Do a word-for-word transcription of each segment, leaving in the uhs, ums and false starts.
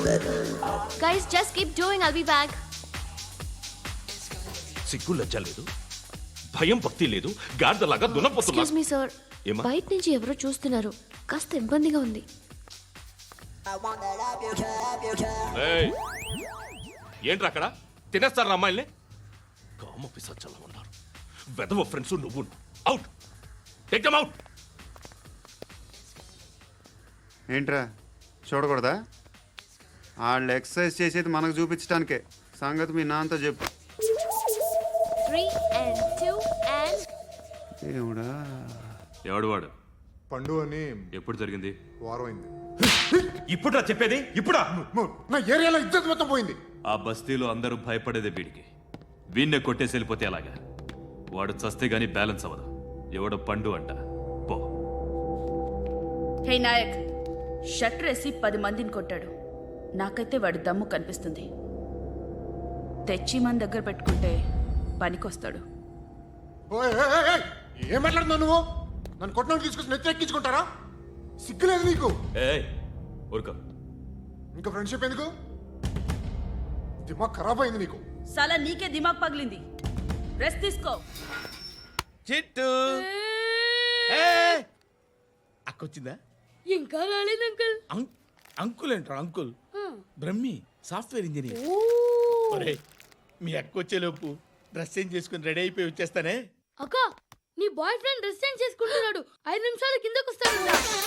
Guys, just keep doing. I'll be back. సిగ్గు లజ్జ లేదు, భయం భక్తి లేదు, గాడిదలాగా దున్నపోతున్నా. Excuse me, sir. ఏమా? బయట నుంచి ఎవరో చూస్తున్నారు, కాస్త ఇబ్బందిగా ఉంది. ఏయ్, ఏంట్రా అక్కడ తినేస్తారా అమ్మాయిల్ని? కామ పిశాచాలా ఉన్నారు. వెదవ ఫ్రెండ్స్ నువ్వు. Out, take them out. ఏంట్రా చూడకూడదా? వాళ్ళు ఎక్సర్సైజ్ చేసేది మనకు చూపించడానికే. సంగతి మీ నాన్నతో చెప్పు. Three and two and. ఏమిడా ఎవడు వాడు? పండు అని. ఎప్పుడు జరిగింది? వారం అయింది. ఇప్పుడురా చెప్పేది? ఇప్పుడా? నా ఏరియాలో ఇజ్జత్ మొత్తం పోయింది. ఆ బస్తీలో అందరూ భయపడేదే వీడికి. వీణ్ణే కొట్టేసి వెళ్ళిపోతే అలాగా. వాడు చస్తే గానీ బ్యాలెన్స్ అవ్వదు. ఎవడో పండు అంట. పో. హే నాయక్, షట్టర్ వేసి పది మందిని కొట్టాడు. నాకైతే వాడి దమ్ము కనిపిస్తుంది. తెచ్చి మన దగ్గర పెట్టుకుంటే పనికొస్తాడు. ఓయ్, ఏయ్, ఏయ్, ఏయ్, ఏం మాట్లాడుతున్నావు నువ్వు? నన్ను కొట్టడానికి తీసుకొచ్చి నెత్తి ఎక్కించుకుంటారా? సిగ్గులేదు నీకు? ఏయ్ ఊరుకో. ఇంకా ఫ్రెండ్షిప్ ఎందుకు? దిమాగ్ ఖరాబ్ అయింది నీకు. సలా నీకే దిమాగ్ పగిలింది. రెస్ట్ తీసుకో. చిట్టు అక్కొచ్చిందా? ఇంకా రాలేదు అంకుల్. అంకుల్ ఏంట్రా అంకుల్? Brahmi software engineer. ఒరే, మీ అక్క వచ్చేలోపు డ్రెస్ చేంజ్ చేసుకుని రెడీ అయిపోయి వచ్చేస్తానే. అక్క, నీ బాయ్ ఫ్రెండ్ డ్రెస్ చేంజ్ చేసుకుంటున్నాడు. ఐదు నిమిషాలు కిందకు వస్తాడు.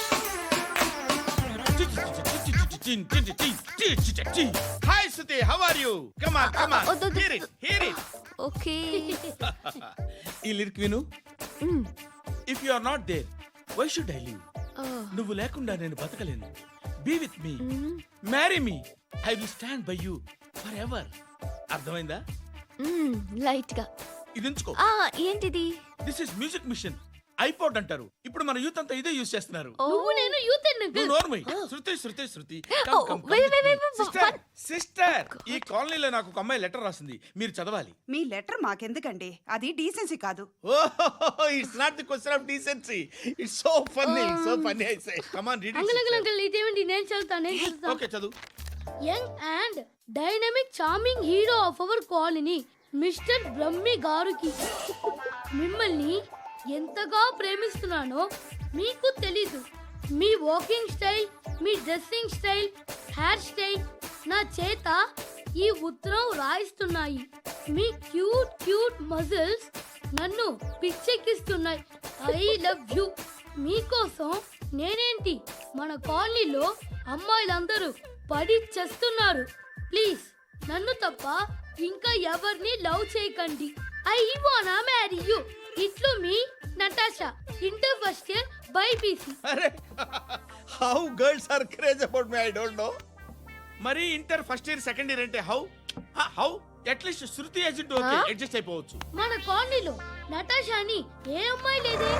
Hi Shruti, how are you? Come on come on, hear it hear it. Okay. ఈ లిరిక్ విను. If you are not there, why should I live? నువ్వు లేకుండా నేను బతకలేను. Be with me, marry me, I will stand by you forever. అర్థమైందా? Light గా. ఇది ఉంచుకో. ఆ, ఏంటిది? This is music machine. IPod అంటారు. ఇప్పుడు మన యూత్ అంతా ఇదే యూస్ చేస్తున్నారు. నువ్వు నేను యూత్ అంకుల్. నోర్మై. Shruti Shruti Shruti. Oh, wait, wait, wait, wait, sister what? Sister, ఈ కాలనీలో నాకు ఒక అమ్మాయి లెటర్ రాసింది. మీరు చదవాలి. మీ లెటర్ మాకెందుకండి? అది డీసెన్సీ కాదు. ఓహ్, it's not the question of decency. It's so funny, so funny. I say come on, read it. Uncle uncle uncle ఇదేంటి? నేను చదువుతాను, నేను చదువుతాను. ఓకే, చదువు. Young and dynamic charming hero of our colony mister Brahmi గారికి మిమ్మల్ని ఎంతగా ప్రేమిస్తున్నానో మీకు తెలీదు. మీ వాకింగ్ స్టైల్, మీ డ్రెస్సింగ్ స్టైల్, హెయిర్ స్టైల్ నా చేత ఈ ఉత్తరం రాయిస్తున్నాయి. మీ క్యూట్ క్యూట్ మజిల్స్ నన్ను పిచ్చెక్కిస్తున్నాయి. I love you. మీకోసం నేనేంటి, మన కాలనీలో అమ్మాయిలందరూ పడి చేస్తున్నారు. ప్లీజ్ నన్ను తప్ప ఇంకా ఎవరిని లవ్ చేయకండి. ఐ వానా మ్యారీ యూ. ఇట్లు మీ Natasha, inter first year BiPC. అరే, how girls are craze about me, I don't know. మరి inter first year second year అంటే how how at least Shruti agent okay, adjust అయిపోవచ్చు. మన కాలనీలో నటాషా అని ఏ అమ్మాయి లేదే.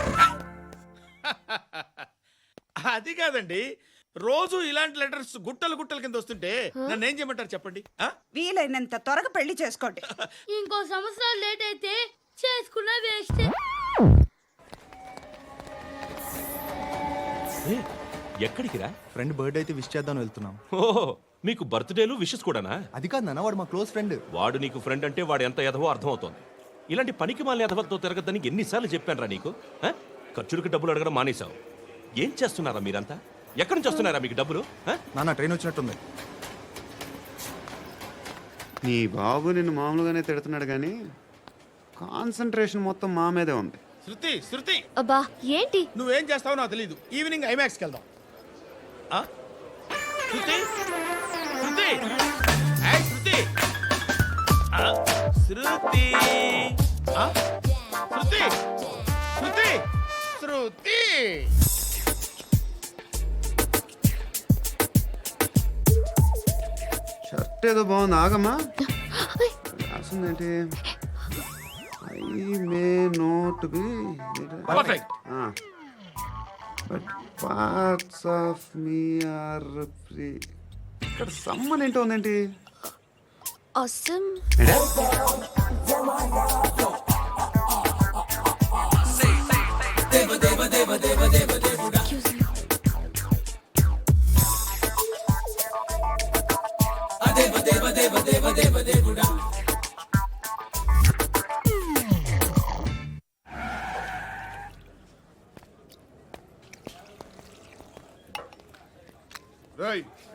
అది కాదండి, రోజు ఇలాంటి లెటర్స్ గుట్టలు గుట్టల కింద వస్తుంటే నన్ను ఏం చేయమంటారు చెప్పండి? వీలైనంత త్వరగా పెళ్లి చేసుకోండి. ఇంకో సంవత్సరాలు లేట్ అయితే చేసుకున్న వేస్ట్. ఎక్కడికి రా? ఫ్రెండ్ బర్త్డే అయితే విష్ చేద్దాం వెళ్తున్నాం. ఓహో, మీకు బర్త్డేలు విషెస్ కూడానా? అది కాదు నాన్న, వాడు మా క్లోజ్ ఫ్రెండ్. వాడు నీకు ఫ్రెండ్ అంటే వాడు ఎంత ఎదవో అర్థమవుతోంది. ఇలాంటి పనికి మాలిన ఎదవతో తిరగద్దని ఎన్నిసార్లు చెప్పాను రా నీకు? ఆ? ఖర్చులకు డబ్బులు అడగడం మానేశావు. ఏం చేస్తున్నారా మీరంతా? ఎక్కడి నుంచి వస్తున్నారా మీకు డబ్బులు? నాన్న ట్రైన్ వచ్చినట్టుంది. నీ బాబు నిన్ను మామూలుగానే తిడుతున్నాడు కానీ కాన్సన్ట్రేషన్ మొత్తం మా మీదే ఉంది. శృతి శృతి, అబ్బా ఏంటి? నువ్వేం చేస్తావో నాకు తెలీదు. ఈవినింగ్ ఐమాక్స్కి వెళ్దాం. ఆ? శృతి శృతి ఏయ్ శృతి ఆ, శృతి ఆ? శృతి శృతి శృతి షర్ట్ ఏదో బాగుంది, ఆగమ్మా. రాసిందేంటి? I may not be perfect. But parts of me are free. ఇక్కడ సమ్మన్ ఏంటో ఉందేంటి? awesome.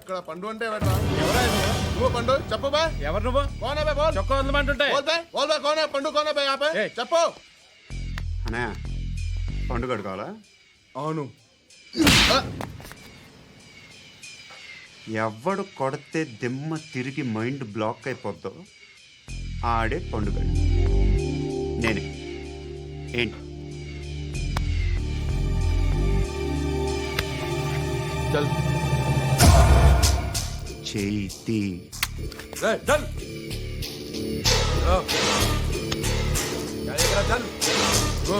ఇక్కడ పండు అంటే ఎవరా నువ్వు పండు చెప్పు బా ఎవరు నువ్వు కోనా బే బోల్ చొక్కా వదలమంటుంటే బోల్ బే బోల్ బే కోనా పండు కోనా బే ఆపే ఏయ్. చెప్పు అనే పండు కడుకోవాలా అవును ఎవడు కొడితే దిమ్మ తిరిగి మైండ్ బ్లాక్ అయిపోద్దో ఆడే పండుగ నేనే ఏంటి చల్ చేతి చల్ చల్ గో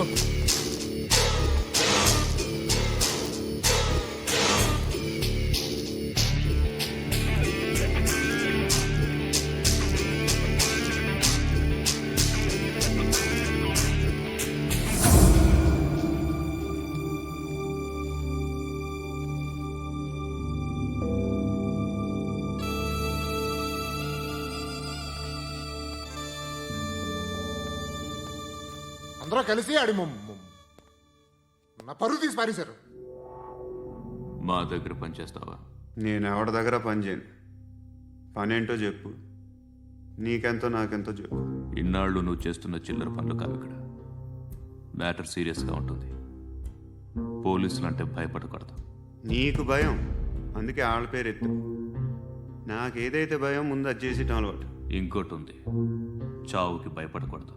అందరూ కలిసి ఆడి మొమ్- మొమ్. నా పరువు తీసి పారేశారు మా దగ్గర పనిచేస్తావా? నేను ఎవరి దగ్గర పని చేయను పనేంటో చెప్పు నీకెంతో నాకెంతో చెప్పు ఇన్నాళ్ళు నువ్వు చేస్తున్న చిల్లర పనులు కావు ఇక్కడ. మ్యాటర్ సీరియస్గా ఉంటుంది. పోలీసులు అంటే భయపడకూడదు. నీకు భయం అందుకే ఆళ్ళ పేరు ఎత్తు నాకేదైతే భయం ముందు అది చేసేటం అలవాటు ఇంకోటి ఉంది, చావుకి భయపడకూడదు.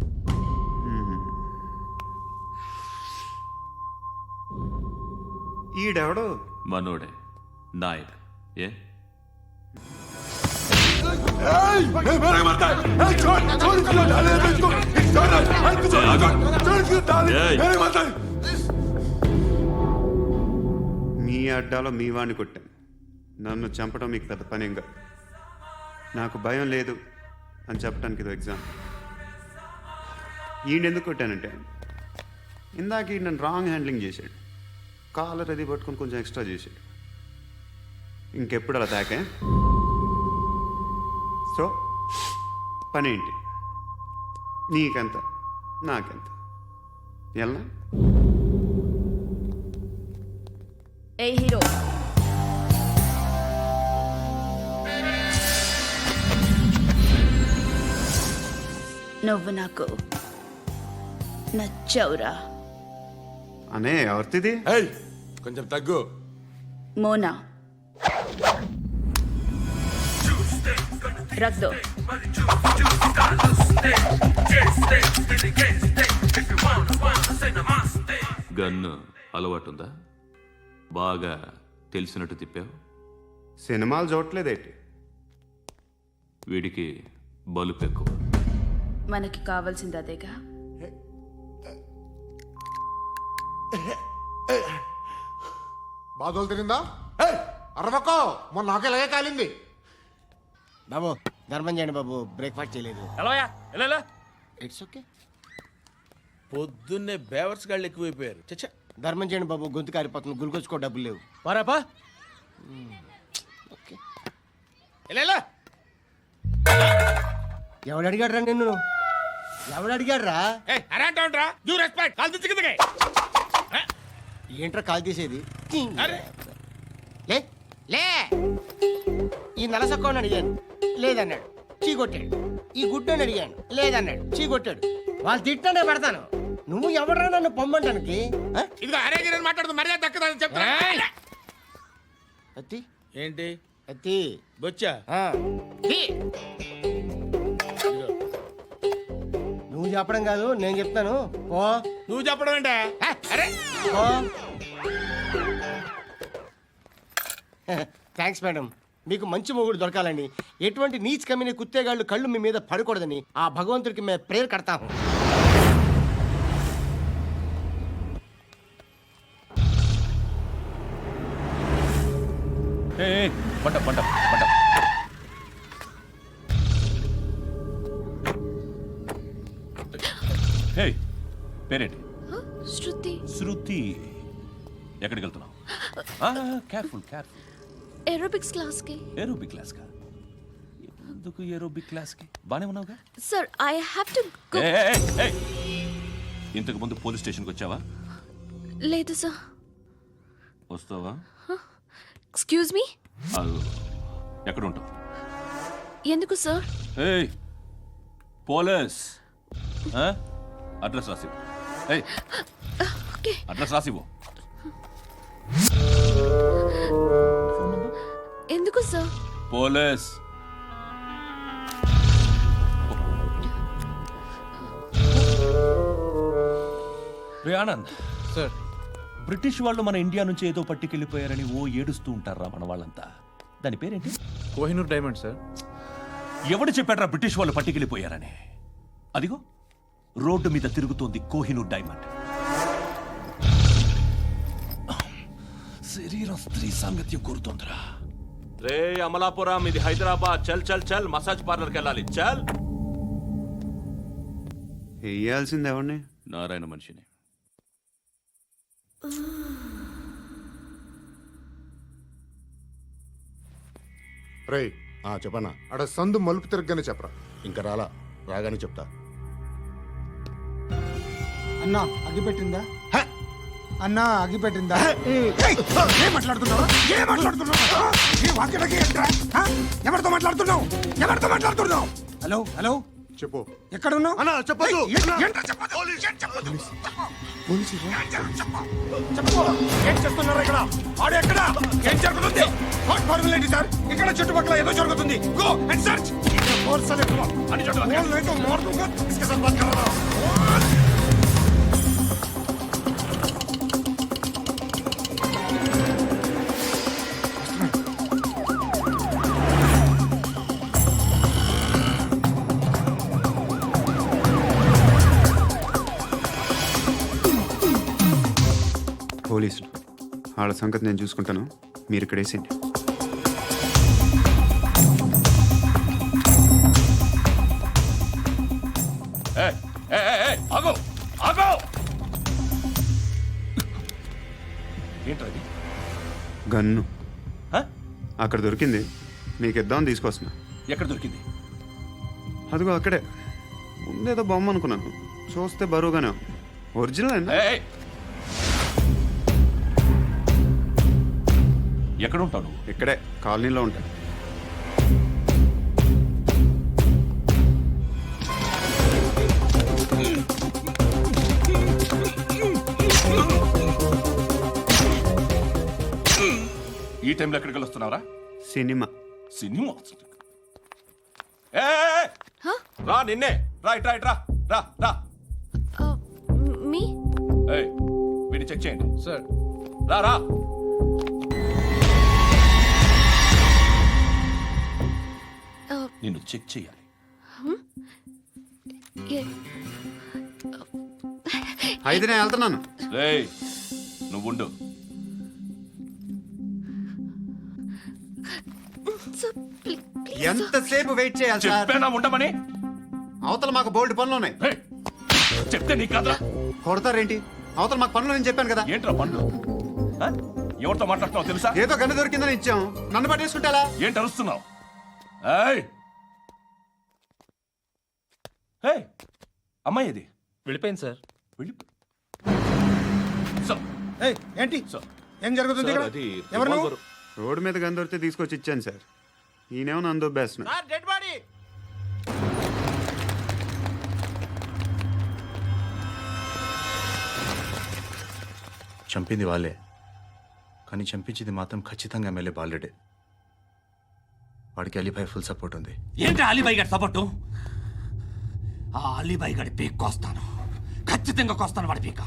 ఈడెవడో మనోడే నాయక్. ఏ మీ అడ్డాలో మీ వాడిని కొట్టాను నన్ను చంపడం మీకు పెద్ద పనేం కాదు నాకు భయం లేదు అని చెప్పడానికి ఇది ఎగ్జామ్ ఈయన ఎందుకు కొట్టానంటే ఇందాక ఈయన నన్ను రాంగ్ హ్యాండ్లింగ్ చేశాడు కాలర్ అది పట్టుకొని కొంచెం ఎక్స్ట్రా చేశాడు ఇంకెప్పుడు అలా తాకే సో పనేంటి నీకెంత నాకెంత ఎలా ఏ హీరో నువ్వు నాకు నచ్చవురా. అనే ఎవరిది ఏయ్ కొంచెం తగ్గు. మోనా రख दो. గన్ను అలవాటుందా? బాగా తెలిసినట్టు తిప్పావు. సినిమాలు చూడట్లేదేంటి వీడికి బలుపు ఎక్కువ. మనకి కావాల్సింది అదేగా. బాధలు తిరిందా అరవకో మొన్న నాకే ఇలాగే కాలింది బాబు ధర్మం చేయండి బాబు బ్రేక్ఫాస్ట్ చేయలేదు. ఎలాయా ఎలా ఇట్స్ ఓకే. పొద్దున్నే బేవర్స్ గాళ్ళు ఎక్కువైపోయారు. చచ్చా ధర్మం చేయండి బాబు గొంతు కారిపోతుంది గుల్కొచ్చుకో డబ్బులు లేవు. పారాపా ఓకే. ఎలా ఎవడు అడిగాడు రా నిన్ను ఎవడు అడిగాడు రా అరే అంటావుంట్రా యూ రెస్పెక్ట్ కాల్ తెచ్చి కిందకి. ఏంట్రా కాల్ తీసేది అరే లే లే ఈ నలసక్కని అడిగాను లేదన్నాడు చీ కొట్టాడు. ఈ గుడ్డని అడిగాను లేదన్నాడు చీ కొట్టాడు. వాళ్ళు తిట్టానే పెడతాను. నువ్వు ఎవడరా నన్ను పొమ్మంటానికి? ఆ? ఇదిగో అరే గిరని మాట్లాడుతూ మర్యాద దక్కదని చెప్తా. అత్తి ఏంటి అత్తి బొచ్చా? ఆ. తీ. నువ్వు చెప్పడం కాదు నేను చెప్తాను. ఓ నువ్వు చెప్పడం ఏంటే? అరే ఓ థ్యాంక్స్ మేడం. మీకు మంచి మొగుడు దొరకాలని ఎటువంటి నీచ్ కమ్మిన కుత్తేగాళ్ళు కళ్ళు మీ మీద పడకూడదని ఆ భగవంతుడికి మేము ప్రేయర్ కడతాము. పంట పంట పంట హే పేరేంటి? శృతి శృతి. ఎక్కడికి వెళ్తున్నావు? Careful careful. ఏరోబిక్స్ క్లాస్ కి. ఏరోబిక్ క్లాస్ కా? ఎందుకు ఏరోబిక్ క్లాస్ కి? బానే ఉన్నావుగా? Sir I have to go. ఏయ్, ఏయ్, ఏయ్. ఇంతకు ముందు పోలీస్ స్టేషన్కి వచ్చావా? లేదు సార్. వస్తావా? Excuse me. ఎక్కడ ఉంటావు? ఎందుకు సార్? ఏయ్ పోలీస్, ఆ? అడ్రస్ రాసివ్వు. ఏయ్ ఓకే. అడ్రస్ రాసివ్వు. ఎందుకు సార్? పోలీస్. రే ఆనంద్ సార్ బ్రిటిష్ వాళ్ళు మన ఇండియా నుంచి ఏదో పట్టుకెళ్ళిపోయారని ఓ ఏడుస్తూ ఉంటారా మన వాళ్ళంతా. దాని పేరేంటి? Kohinoor diamond sir. ఎవడు చెప్పాడ్రా బ్రిటిష్ వాళ్ళు పట్టుకెళ్ళిపోయారని? అదిగో రోడ్డు మీద తిరుగుతోంది కోహినూర్ డైమండ్. శరీరం స్త్రీ సాంగత్యం కోరుతోందిరా. రే అమలాపురం, ఇది హైదరాబాద్. చల్ చల్ చల్, మసాజ్ పార్లర్కి వెళ్ళాలి. చల్. వేయాల్సింది ఎవరిని? నారాయణ మనిషిని. రే చెప్పనా అడ సందు మలుపు తిరగగానే చెప్పరా. ఇంకా రాలా, రాగానే చెప్తా. అన్నా అగ్గి పెట్టిందా? అన్నా అగ్గి పెట్టిందా? ఏం మాట్లాడుతున్నావు? ఏం మాట్లాడుతున్నావు? ఏ వాక్యలకి ఏంట్రా? ఆ? ఎవరితో మాట్లాడుతున్నావు? ఎవరితో మాట్లాడుతున్నావు? హలో హలో చెప్పు. ఎక్కడ ఉన్నావు? అన్నా చెప్పదు. ఏం చేస్తున్నారు ఇక్కడ? ఆడు ఎక్కడ? ఏం జరుగుతుంది? వాట్ ఫార్మల్ ఏంటి సార్? ఇక్కడ చుట్టుపక్కల ఏదో జరుగుతుంది. Go and search. ఫోర్స్ లే అని చోట नहीं तो मार दूंगा. इसके साथ बात कर रहा हूं. పోలీసులు వాళ్ళ సంగతి నేను చూసుకుంటాను, మీరు ఇక్కడ వేసేయండి. ఏయ్, ఏయ్, ఏయ్, ఏయ్, ఆగు, ఆగు. ఏంట్రా ఇది? గన్ను హ? అక్కడ దొరికింది, మీకు ఇద్దామని తీసుకొస్తున్నా. ఎక్కడ దొరికింది? అదిగో అక్కడే. ముందేదో బొమ్మ అనుకున్నాను, చూస్తే బరువుగానే ఉంది. ఒరిజినల్ అండి. ఏయ్, ఏయ్. ఎక్కడ ఉంటావు నువ్వు? ఇక్కడే కాలనీలో ఉంటాను. ఈ టైంలో ఎక్కడికి వస్తున్నావురా? సినిమా. సినిమా? ఏయ్, రా, నిన్నే. రా ఇట్రా, ఇట్రా, రా రా. మీ ఏయ్, వీడిని చెక్ చేయండి. సార్ రా రా. నిన్ను చెక్ చేయాలి. అయితే నేను వెళ్తున్నాను. రేయ్, నువ్వు ఉండు. ఎంతసేపు వెయిట్ చేయాలి సార్? చెప్పేనా ఉండమని? అవతల మాకు బోల్డ్ పనులు ఉన్నాయి. రేయ్, చెప్తే నీకు కదరా? కొడతారేంటి? అవతల మాకు పనులు నేను చెప్పాను కదా. ఏంట్రా పండ్లు? ఆ? ఎవరితో మాట్లాడుతున్నావు తెలుసా? ఏదో గన్ను దొరికిందని ఇచ్చాం, నన్ను పట్టేసుకుంటా. ఏంటి అరుస్తున్నావు? ఏయ్, ఏయ్, అమ్మాయి ఇది వెళ్ళిపోయింది సార్. వెళ్ళి సార్, ఏయ్, ఏంటి సార్, ఏం జరుగుతుంది ఇక్కడ? అది ఎవరు నువ్వు? revolver. రోడ్డు మీద గన్ను దొరికితే తీసుకొచ్చి ఇచ్చాను సార్. ఈయనేమో నన్ను దొబ్బేస్తున్నా. Dead body. చంపింది వాళ్ళే, కానీ చంపించింది మాత్రం ఖచ్చితంగా ఎమ్మెల్యే బాలుడే. వాడికి అలీభాయ్ ఫుల్ సపోర్ట్ ఉంది. ఏంటి అలీబాయి గారి సపోర్టు? ఆ అలీబాయి గారి పీక్ కోస్తాను, ఖచ్చితంగా కోస్తాను వాడి పీక.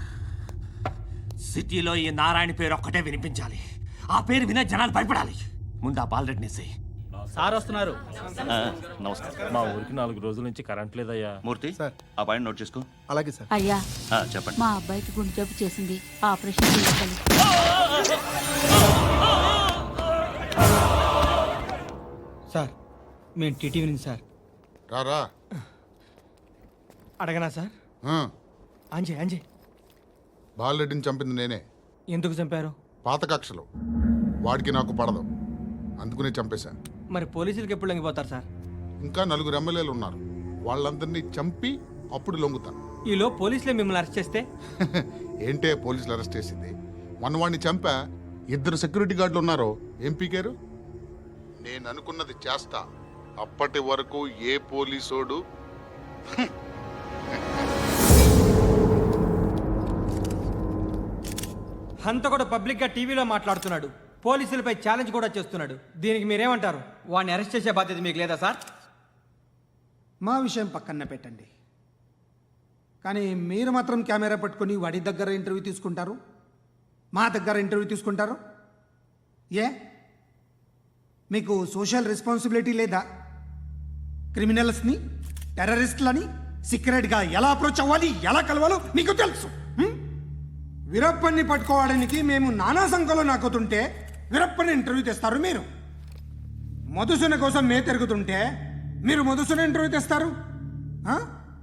సిటీలో ఈ నారాయణ పేరు ఒక్కటే వినిపించాలి. ఆ పేరు వినే జనాలు భయపడాలి. ముందు ఆ బాలరెడ్డిని సై. సార్ వస్తున్నారు. నమస్కారం. మా ఊరికి నాలుగు రోజుల నుంచి కరెంట్ లేదయ్యా. మూర్తి, సార్. ఆ పాయింట్ నోట్ చేసుకో. అలాగే సార్. అయ్యా, ఆ, చెప్పండి. మా అబ్బాయికి గుండె జబ్బు చేసింది, ఆపరేషన్ చేయాలి. సార్ మేము టీటీవీ నుంచి సార్. రారా. అడగనా సార్? అంజయ్ అంజయ్ బాలరెడ్డిని చంపింది నేనే. ఎందుకు చంపారు? పాత కక్షలు, వాడికి నాకు పడదు, అందుకునే చంపేశా. మరి పోలీసులకు ఎప్పుడు లొంగిపోతారు సార్? ఇంకా నలుగురు ఎమ్మెల్యేలు ఉన్నారు, వాళ్ళందరినీ చంపి అప్పుడు లొంగుతా. ఈలో పోలీసులే మిమ్మల్ని అరెస్ట్ చేస్తే? ఏంటే పోలీసులు అరెస్ట్ చేసింది? మొన్న వాడిని చంపా, ఇద్దరు సెక్యూరిటీ గార్డులు ఉన్నారు ఏం పీకారు? నేను అనుకున్నది చేస్తా. అప్పటి వరకు ఏ పోలీసోడు హంత కూడా పబ్లిక్ గా టీవీలో మాట్లాడుతున్నాడు, పోలీసులపై ఛాలెంజ్ కూడా చేస్తున్నాడు. దీనికి మీరేమంటారు? వాడిని అరెస్ట్ చేసే బాధ్యత మీకు లేదా సార్? మా విషయం పక్కన పెట్టండి, కానీ మీరు మాత్రం కెమెరా పట్టుకొని వాడి దగ్గర ఇంటర్వ్యూ తీసుకుంటారు, మా దగ్గర ఇంటర్వ్యూ తీసుకుంటారు. ఏ మీకు సోషల్ రెస్పాన్సిబిలిటీ లేదా? క్రిమినల్స్ని, టెర్రరిస్టులని సీక్రెట్గా ఎలా అప్రోచ్ అవ్వాలి, ఎలా కలవాలో మీకు తెలుసు. హ్మ్? వీరప్పన్ని పట్టుకోవడానికి మేము నానా సంఖ్యలో నాకుతుంటే వీరప్పని ఇంటర్వ్యూ తెస్తారు మీరు. మధుసూన కోసం మే తిరుగుతుంటే మీరు మధుసూన ఇంటర్వ్యూ తెస్తారు. ఆ?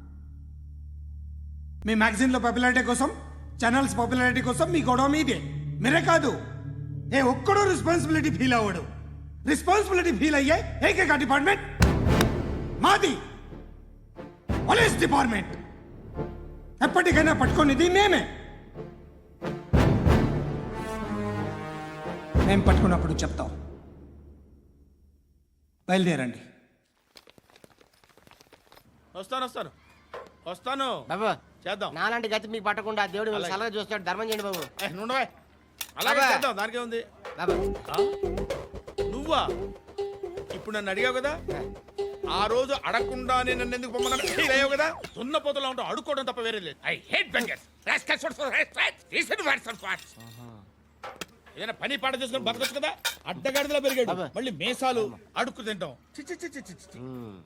మీ మ్యాగజైన్లో పాపులారిటీ కోసం, ఛానల్స్ పాపులారిటీ కోసం మీ గొడవ మీదే. మీరే కాదు, ఏ ఒక్కడో రెస్పాన్సిబిలిటీ ఫీల్ అవ్వడు. రెస్పాన్సిబిలిటీ ఫీల్ అయ్యే ఏకైక డిపార్ట్మెంట్ మాది, పోలీస్ డిపార్ట్మెంట్. ఎప్పటికైనా పట్టుకునేది మేమే. మేము పట్టుకున్నప్పుడు చెప్తాం. బయలుదేరండి. వస్తాను వస్తాను వస్తాను బాబు చేద్దాం. నాలాంటి గతి మీకు పట్టకుండా దేవుడు మిమ్మల్ని సలహా చూస్తాడు. ధర్మం చేయండి బాబు. ఏ, నుండవే. అలాగే బాబా. చేద్దాం, దానికే ఉంది. బాబు ఆ? నువ్వా ఇప్పుడు నన్ను అడిగావు కదా, ఆ రోజు అడగకుండా నేను నన్ను ఎందుకు పొమ్మన్నాను ఫీల్ అయ్యావు కదా. సున్న పోతలో ఉంటావు, అడుక్కోవడం తప్ప వేరే లేదు. I hate beggars. ఏదైనా పని పాట చేసుకుని బతకొచ్చు కదా. అడ్డగాడిదలా పెరిగాడు, అబ్బా. మళ్ళీ మేసాలు అడుక్కు తింటాం. చి చి చి చి చి చి.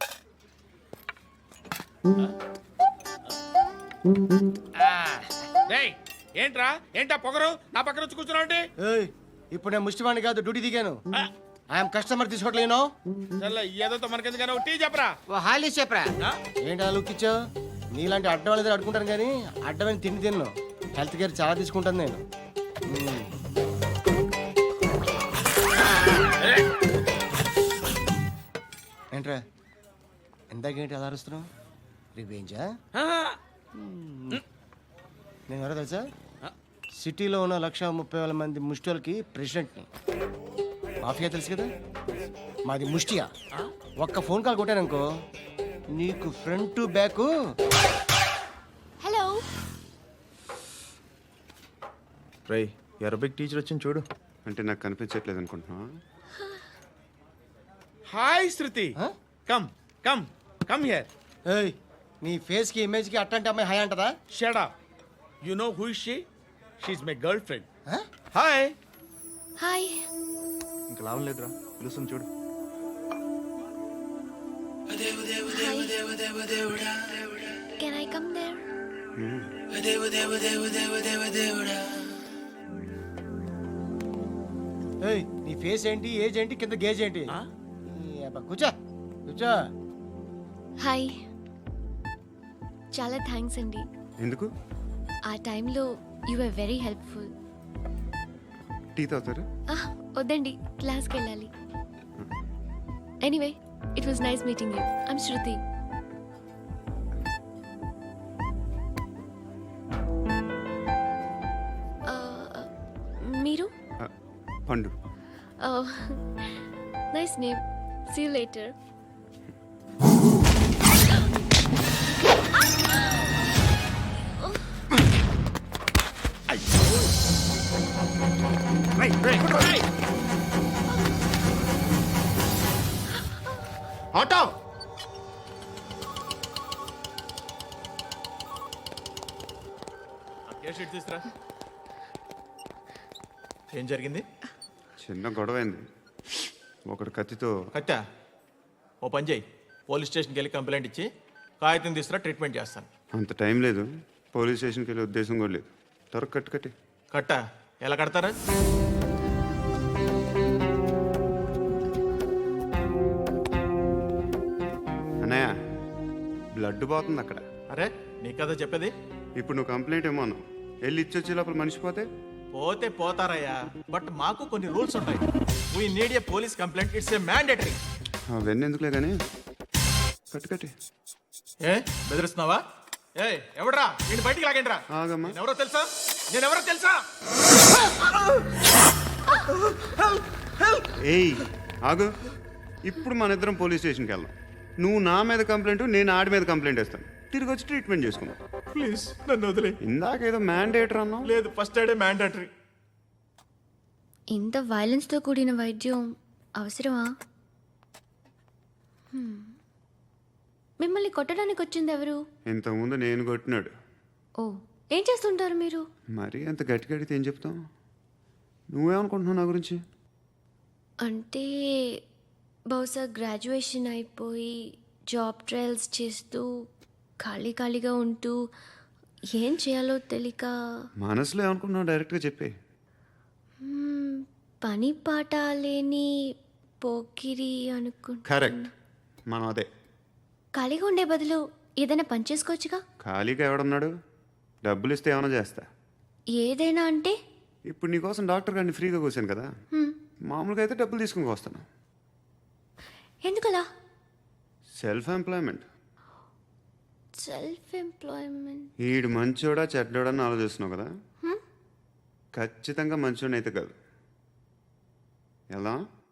ఆ. డేయ్, ఏంట్రా ఏంటా పొగరు నా పక్కన వచ్చి కూర్చున్నావు అంటే? ఏయ్, ఇప్పుడు నేను ముష్టివాణి కాదు, డ్యూటీ దిగాను. ఐఎమ్ కస్టమర్ తీసుకోవట్లేను. చల్ల ఏదో మనకెందుకైనా ఒక టీ చెప్పరా. ఓ హాలీస్ చెప్పరా. ఆ? ఏంటి అలా లుక్ ఇచ్చావు? నీలాంటి అడ్డం వాళ్ళ దగ్గర అడుకుంటాను కానీ అడ్డమైన తిండి తిన్ను. హెల్త్ కేర్ చాలా తీసుకుంటాను నేను. మ్మ్. ఏంట్రా ఇందాకేంటి అలా అరుస్తున్నావు? రివేంజా? నేను ఎవరో తెలుసా? సిటీలో ఉన్న లక్ష ముప్పై వేల మంది ముష్టిలకి ప్రెసిడెంట్ని. మాఫియా తెలుసు కదా, మాది ముష్టియా. ఒక్క ఫోన్ కాల్ కొట్టాననుకో నీకు ఫ్రంట్ టు బ్యాక్. హలో. రై అరబిక్ టీచర్ వచ్చింది చూడు. అంటే నాకు కనిపించట్లేదు అనుకుంటున్నా. Hi Shruti. Come come come here. ఏయ్, నీ ఫేస్ కి ఇమేజ్ కి అట్టంటే అమ్మాయి హాయ్ అంటదా? Shut up. You know who is she? She is my girlfriend. Hi. Hi. ఇంకా లాభం లేదురా, పిలుస్తుంది చూడు. Can I come there? ఏయ్, నీ ఫేస్ ఏంటి, ఏజ్ ఏంటి, కింద గేజ్ ఏంటి? ఈ అబ్బా, కూర్చో కూర్చో. హాయ్. చాలా థ్యాంక్స్ అండి. ఎందుకు? ఆ టైంలో you are very helpful. Tea తాగుతారా? వద్దండి, క్లాస్కి వెళ్ళాలి. Anyway, it was nice meeting you. I'm Shruti. మీరు? Pandu. Nice name. See you later. Auto. తీసుకురా. ఏం జరిగింది? చిన్న గొడవ అయింది. ఒకడు కత్తితో. కట్టా. ఓ పని చేయి, పోలీస్ స్టేషన్కి వెళ్ళి కంప్లైంట్ ఇచ్చి కాగితం తీసుకురా, ట్రీట్మెంట్ చేస్తాను. అంత టైం లేదు, పోలీస్ స్టేషన్కి వెళ్ళే ఉద్దేశం కూడా లేదు. త్వరగా కట్టు కట్టి. కట్టా. ఎలా కడతారా? అన్నయ్య, బ్లడ్ పోతుంది అక్కడ. అరే నీ కదా చెప్పేది. ఇప్పుడు నువ్వు కంప్లైంట్ ఏమో అన్నావు. వెళ్ళి ఇచ్చొచ్చే లోపల మనిషి పోతే పోతే పోతారయ్యా, బట్ మాకు కొన్ని రూల్స్ ఉంటాయి. We need a police complaint, it's a mandatory. అవన్నీ ఎందుకులే కానీ కట్టు కట్టి. ఏ బెదిరిస్తున్నావా? ఏ ఎవడ్రా నేను బయటికి లాగండి రా. ఆగమ్మా. ఎవరో తెలుసా? నేను ఎవరో తెలుసా? ఏయ్ ఆగు, ఇప్పుడు మన ఇద్దరం పోలీస్ స్టేషన్కి వెళ్దాం. నువ్వు నా మీద కంప్లైంట్, నేను ఆడి మీద కంప్లైంట్ వేస్తాను. తిరిగి వచ్చి ట్రీట్మెంట్ చేసుకుందాం. ప్లీజ్ నన్ను వదిలే. ఇందాక ఏదో మ్యాండేటర్ అన్నావు. లేదు, ఫస్ట్ ఎయిడే మ్యాండేటరీ. ఇంత వైలెన్స్తో కూడిన వైద్యం అవసరమా? హ్మ్. మిమ్మల్ని కొట్టడానికి వచ్చింది ఎవరు? ఇంతకుముందు నేను కొట్టినాడు. ఓ, ఏం చేస్తుంటారు మీరు? మరి అంత గట్టి గడితే ఏం చెప్తాం? నువ్వేమనుకుంటున్నావు నా గురించి? అంటే బహుశా గ్రాడ్యుయేషన్ అయిపోయి జాబ్ ట్రయల్స్ చేస్తూ ఖాళీ ఖాళీగా ఉంటూ ఏం చేయాలో తెలియక మనసులో ఏమనుకుంటున్నావు డైరెక్ట్గా చెప్పే. మ్మ్, పని పాట లేని పోకిరి అనుకుంటా. కరెక్ట్, మనం అదే. ఖాళీగా ఉండే బదులు ఏదైనా పని చేసుకోవచ్చుగా. ఖాళీగా ఎవడున్నాడు? డబ్బులు ఇస్తే ఏమైనా చేస్తా. ఏదైనా అంటే? ఇప్పుడు నీకోసం డాక్టర్ గారిని ఫ్రీగా కూర్చాను కదా, హ్మ్, మామూలుగా అయితే డబ్బులు తీసుకుని వస్తాను. ఎందుకలా? Self employment. Self employment. ఈడు మంచోడా చెడ్డోడా అని ఆలోచిస్తున్నావు కదా, హ్మ్? ఖచ్చితంగా మంచోడని అయితే కాదు. ఎలా?